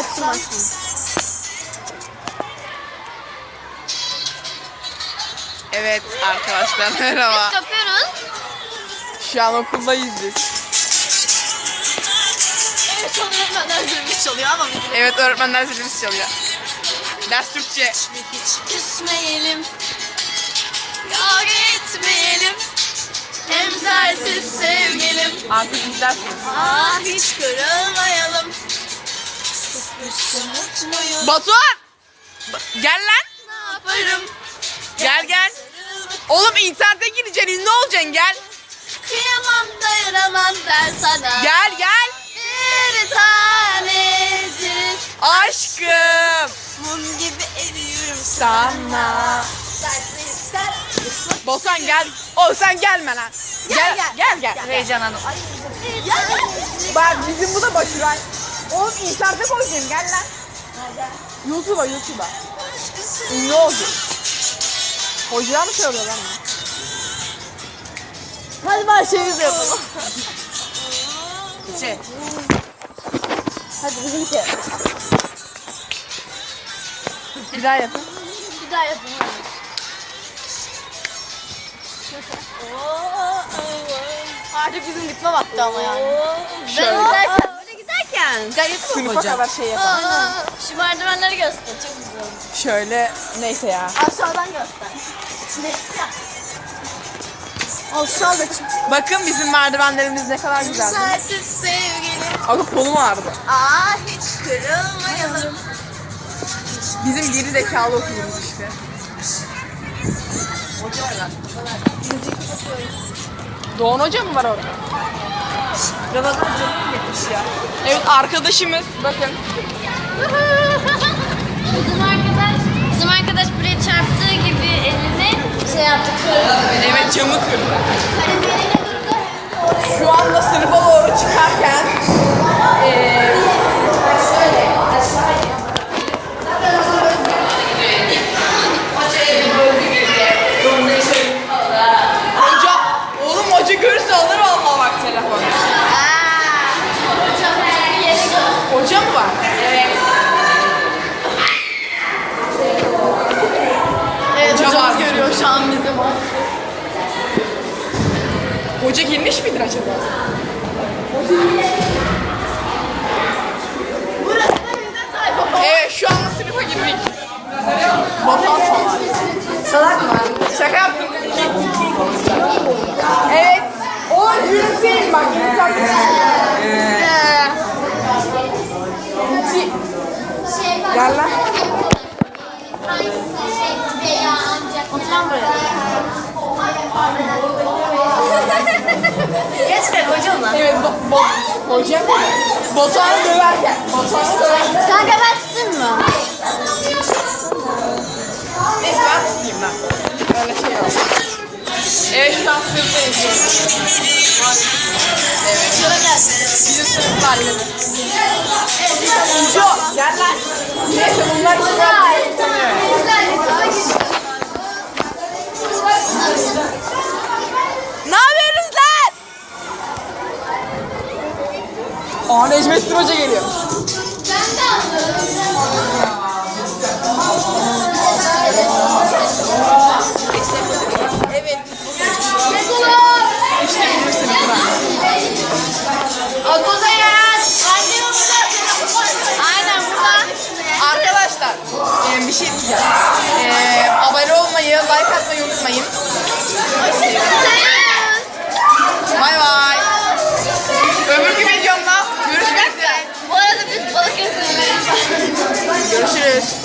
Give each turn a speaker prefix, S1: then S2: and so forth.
S1: Açsın açsın.
S2: Evet arkadaşlar merhaba.
S1: Biz yapıyoruz.
S2: Şu an okuldayız biz.
S1: Evet öğretmenler zilimiz çalıyor ama biz
S2: Evet öğretmenler zilimiz çalıyor. Ders Türkçe.
S1: hiç küsmeyelim. Kavga etmeyelim. Hem sensiz sevgilim.
S2: Artık izlersin.
S1: Ah hiç kırılmayalım. Küsmüşsün mutluyum.
S2: Batuhan! Gel lan.
S1: Ne yaparım?
S2: Gel gel. Oğlum internete gireceksin, ünlü olacaksın, gel.
S1: Kıyamam dayanamam ben sana.
S2: Gel gel.
S1: Bir tanecik
S2: Aşkım
S1: mum gibi eriyorum
S2: sana. Batuhan gel. O sen gelme lan. Gel. Heyecanlandım. Bak bizim bu da Başuray. Oğlum internete koyacağım, gel lan. YouTube'a. Ünlü olacak. Hocalar mı söylüyor lan?
S1: Hadi başlayalım yapalım.
S2: Şey.
S1: Hadi bizimki.
S2: Bir daha yapın.
S1: Bir daha yapalım. Artık bizim gitme vakti ama yani.
S2: Şöyle.
S1: Oraya giderken.
S2: Gayet sınıfa kadar şey yapalım.
S1: Şu merdivenleri göster. Çok güzel.
S2: Şöyle neyse ya.
S1: Aşağıdan göster. Aşağıda çık.
S2: Bakın bizim merdivenlerimiz ne kadar güzel.
S1: Sensiz sevgilim.
S2: Aga kolum ağrıdı.
S1: Ah hiç kırılmayalım.
S2: Bizim geri zekalı okulumuz işte. Hoca var lan. Doğan Hoca mı var orada? Ramazan canım gitmiş ya. Evet arkadaşımız bakın.
S1: Bizim arkadaş buraya çarptığı gibi elini şey yaptı.
S2: Evet camı kırdı. Şu anda sınıfa doğru çıkarken hoca, oğlum hoca görürse alır vallahi bak telefonu. Hoca mı var? Evet.
S1: Evet
S2: Hoca
S1: hocamız
S2: var.
S1: görüyor şu an bizi.
S2: Hoca girmiş midir acaba? Evet şu anda sınıfa girdik. Batuhan salak. Salak mı? Şaka yaptım. Evet. O yürüsün bak. Gel lan.
S1: Oturan buraya. Geçme hocamla.
S2: Evet hoca mı? Batuhan'ı döverken.
S1: Kanka ben tutayım mı?
S2: Neyse ben tutayım ben. Öyle şey yok. Evet şu an sınıfta izliyoruz. Evet. Bizim sınıf halleri. Ucu gel lan. Neyse bunlar ne yapıyorsunuz lan? Aa Necmettin Hoca geliyor. Evet. İşte bizim sınıflar.
S1: Okulda yaz. Anne burada. Aynen burada.
S2: Arkadaşlar bir şey diyeceğim. Abone olmayı, like atmayı unutmayın. Bay bay. Öbürkü videomda görüşmek üzere.
S1: Bu arada biz Balıkesir'deyiz.
S2: Görüşürüz.